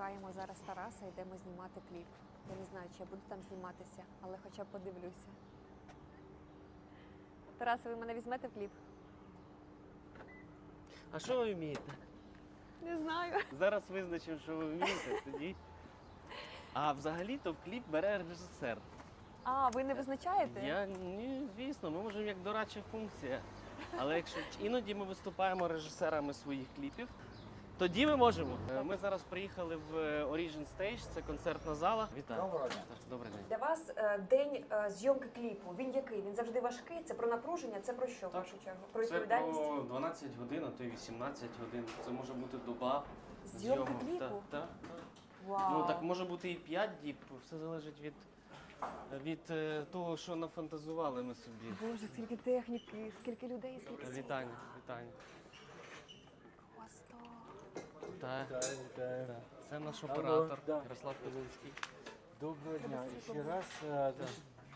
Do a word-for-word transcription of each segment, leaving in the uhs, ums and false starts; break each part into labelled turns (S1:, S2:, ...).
S1: чекаємо зараз Тараса, йдемо знімати кліп. Я не знаю, чи я буду там зніматися, але хоча б подивлюся. Тарас, ви мене візьмете в кліп?
S2: А що ви вмієте?
S1: Не знаю.
S2: Зараз визначимо, що ви вмієте, тоді. А взагалі-то в кліп бере режисер.
S1: А, ви не визначаєте?
S2: Я, ні, звісно, ми можемо як дорадча функція. Але якщо іноді ми виступаємо режисерами своїх кліпів, тоді ми можемо. Е, Ми зараз приїхали в Origin Stage, це концертна зала. Вітаю.
S3: Доброго дня.
S2: Добрий день.
S1: Для вас е, день е, зйомки кліпу, він який? Він завжди важкий? Це про напруження, це про що, в
S2: Так.
S1: першу чергу? Про
S2: Це
S1: відповідальність?
S2: про дванадцять годин, а то й вісімнадцять годин. Це може бути доба.
S1: Зйомки
S2: зйомок.
S1: кліпу?
S2: Так, так, так.
S1: Вау.
S2: Ну так може бути і п'ять діб, все залежить від, від е, того, що нафантазували ми собі.
S1: Боже, скільки техніки, скільки людей, скільки світла.
S2: Вітання, вітання.
S1: Просто.
S2: Так,
S3: Вітаю, вітаю.
S2: так. Це наш
S3: Алло,
S2: оператор
S3: да.
S2: Ярослав Козинський.
S3: Доброго дня.
S1: Треба
S3: Ще
S1: світло
S3: раз. е,
S2: Так.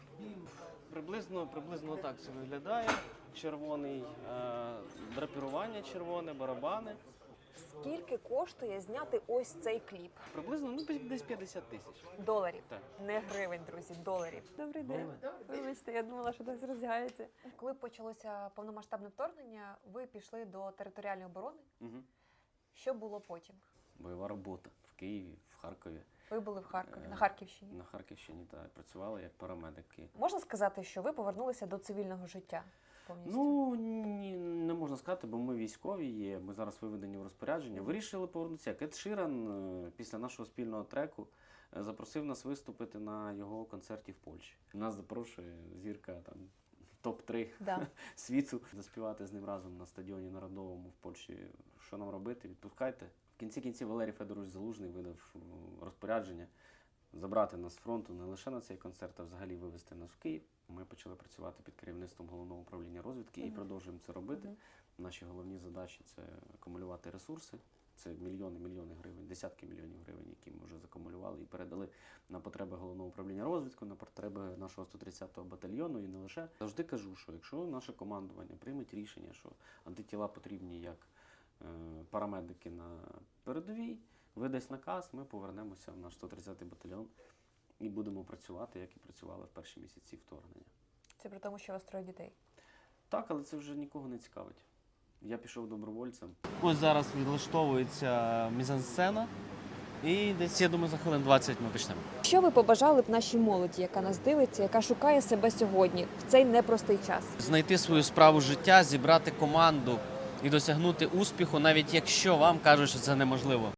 S2: Приблизно, приблизно так це виглядає. Червоний, е, драпірування червоне, барабани.
S1: Скільки коштує зняти ось цей кліп?
S2: Приблизно ну, десь- десь п'ятдесят тисяч.
S1: Доларів.
S2: Так.
S1: Не гривень, друзі, доларів. Добрий день. Вибачте, я думала, що десь роздягається. Коли почалося повномасштабне вторгнення, ви пішли до територіальної оборони.
S2: Угу.
S1: Що було потім?
S2: Бойова робота в Києві, в Харкові,
S1: Ви були в Харкові,
S2: Е,
S1: на Харківщині.
S2: на Харківщині та працювали як парамедики.
S1: Можна сказати, що ви повернулися до цивільного життя повністю?
S2: Ну ні, не можна сказати, бо ми військові є. Ми зараз виведені в розпорядження. Вирішили повернутися. Кет Ширан е, після нашого спільного треку е, запросив нас виступити на його концерті в Польщі. Нас запрошує зірка там топ три
S1: Да.
S2: світу заспівати з ним разом на стадіоні Народовому в Польщі. Що нам робити? Відпускайте. В кінці кінців Валерій Федорович Залужний видав е, розпорядження забрати нас з фронту не лише на цей концерт, а взагалі вивезти нас в Київ. Ми почали працювати під керівництвом Головного управління розвідки і
S1: Мгм.
S2: продовжуємо це робити.
S1: Мгм.
S2: Наші головні задачі – це акумулювати ресурси. Це мільйони, мільйони гривень, десятки мільйонів гривень, які ми вже закумулювали і передали на потреби Головного управління розвідки, на потреби нашого сто тридцятого батальйону і не лише. Завжди кажу, що якщо наше командування прийме рішення, що антитіла потрібні як е, парамедики на передовій, видасть наказ, ми повернемося в наш сто тридцятий батальйон і будемо працювати, як і працювали в перші місяці вторгнення.
S1: Це при тому, що у вас троє дітей.
S2: Так, але це вже нікого не цікавить. Я пішов добровольцем. Ось зараз відлаштовується мізансцена. І десь, я думаю, за хвилин двадцять ми почнемо.
S1: Що ви побажали б нашій молоді, яка нас дивиться, яка шукає себе сьогодні в цей непростий час?
S2: Знайти свою справу життя, зібрати команду і досягнути успіху, навіть якщо вам кажуть, що це неможливо.